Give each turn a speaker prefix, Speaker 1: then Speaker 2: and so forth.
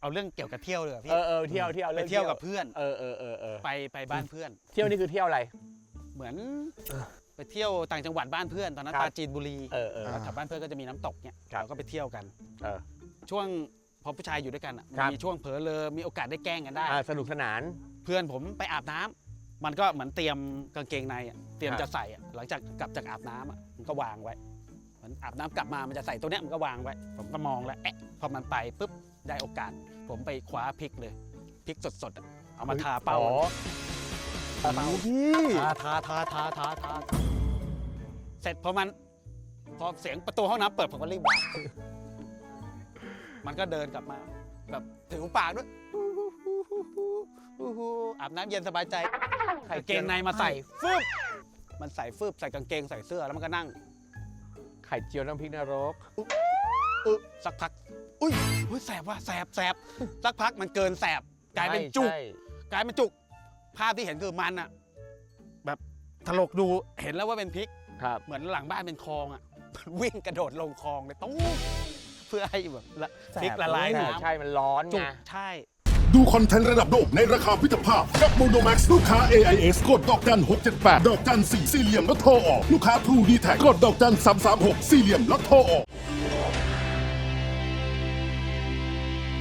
Speaker 1: เอาเรื่องเกี่ยวกับเที่ยวเลยพี่
Speaker 2: เที่ยว
Speaker 1: ไปเที่ยวกับเพื่อนไปบ้านเพื่อน
Speaker 2: เที่ยวนี่คือเที่ยวอะไร
Speaker 1: เหมือนไปเที่ยวต่างจังหวัดบ้านเพื่อนตอนนั้นปราจีนบุรีแถวบ้านเพื่อนก็จะมีน้ำตกเนี่ยเราก็ไปเที่ยวกันช่วงพอผู้ชายอยู่ด้วยกันมีช่วงเผลอเลอมีโอกาสได้แกล้งกันได้
Speaker 2: สนุกสนาน
Speaker 1: เพื่อนผมไปอาบน้ำมันก็เหมือนเตรียมกางเกงในเตรียมจะใส่หลังจากกลับจากอาบน้ำมันก็วางไว้มันอาบน้ำกลับมามันจะใส่ตัวเนี้ยมันก็วางไว้ผมก็มองแล้วพอมันไปปุ๊บได้โอกาสผมไปคว้าพริกเลยพริกสดๆเอามาทาเป้า
Speaker 2: พี่
Speaker 1: ทาเสร็จพอเสียงประตูห้องน้ำเปิดผมก็รีบวางมันก็เดินกลับมาแบบถือปากด้วยอาบน้ำเย็นสบายใจกางเกงในมาใส่ฟึบมันใส่ฟึบใส่กางเกงใส่เสื้อแล้วมันก็นั่ง
Speaker 2: ไข่เจียวน้ำพริกนรก
Speaker 1: สักพักอุ้ยแสบว่ะแสบสักพักมันเกินแสบกลายเป็นจุกภาพที่เห็นคือมันอะแบบถลกดูเห็นแล้วว่าเป็นพริกเหมือนหลังบ้านเป็นคลองอะวิ่งกระโดดลงคลองเลยตู้เพื่อให้แบบพริกละลายน้ำ
Speaker 2: ใช่มันร้อนไง
Speaker 1: ใช่
Speaker 3: ดูคอนเทนต์ระดับโลกในราคาพิจภาพกับ Monomax ลูกค้า AIS กดดอกจัน678ดอกจัน4สี่เหลี่ยมแล้วโทรออกลูกค้า True D Tag กดดอกจัน336สี่เหลี่ยมแล้วโทรออก